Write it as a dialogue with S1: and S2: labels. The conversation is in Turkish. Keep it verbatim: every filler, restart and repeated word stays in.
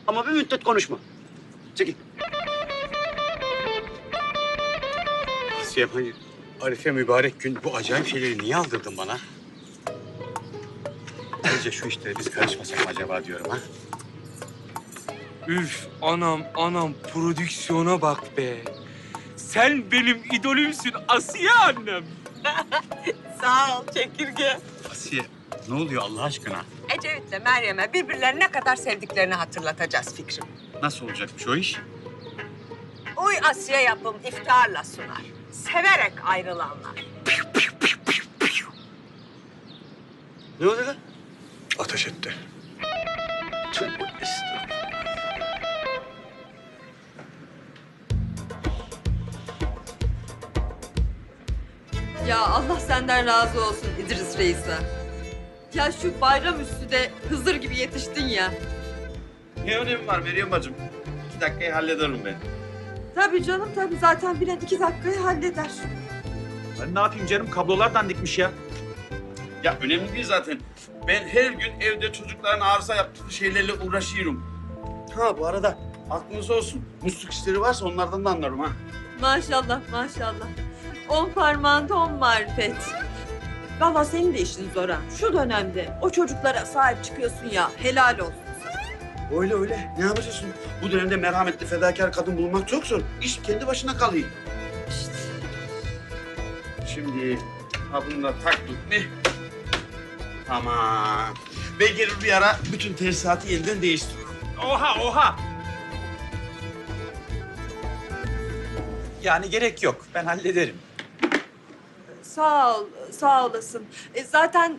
S1: Ama bir müddet konuşma. Çekil. Asiye, hani Arife mübarek gün bu acayip şeyleri niye aldırdın bana? Ayrıca şu işlere biz karışmasak mı acaba diyorum ha?
S2: Üf anam anam prodüksiyona bak be. Sen benim idolümsün Asiye annem.
S3: Sağ ol çekirge.
S1: Asiye, ne oluyor Allah aşkına?
S3: Ecevit'le Meryem'e birbirlerini ne kadar sevdiklerini hatırlatacağız Fikrim.
S1: Nasıl olacakmış o iş?
S3: Uy Asiye yapım iftiharla sunar. Severek ayrılanlar.
S1: Ne oldu lan?
S4: Ateş etti.
S1: Tövbe estağfurullah.
S5: Ya Allah senden razı olsun İdris Reis'e. Ya şu bayram üstü de Hızır gibi yetiştin ya.
S6: Ne önemi var Meryem bacım? İki dakikayı hallederim ben.
S5: Tabii canım tabii zaten bilen iki dakikayı halleder.
S7: Ben ne yapayım canım? Kablolar dandikmiş ya.
S6: Ya önemli değil zaten. Ben her gün evde çocukların arıza yaptığı şeylerle uğraşıyorum. Ha bu arada aklınız olsun. Musluk işleri varsa onlardan da anlarım ha.
S5: Maşallah maşallah. On parmağında on marifet. Vallahi senin de işin zor ha. Şu dönemde o çocuklara sahip çıkıyorsun ya helal olsun.
S6: Öyle öyle. Ne yapacaksın? Bu dönemde merhametli fedakar kadın bulmak çok zor. İş kendi başına kalıyor.
S5: İşte.
S6: Şimdi ha bunu da taktık mı? Tamam. Ben gelir bir ara bütün tesisatı yeniden değiştiririm.
S7: Oha oha! Yani gerek yok. Ben hallederim.
S5: Sağ ol, sağ olasın. E, zaten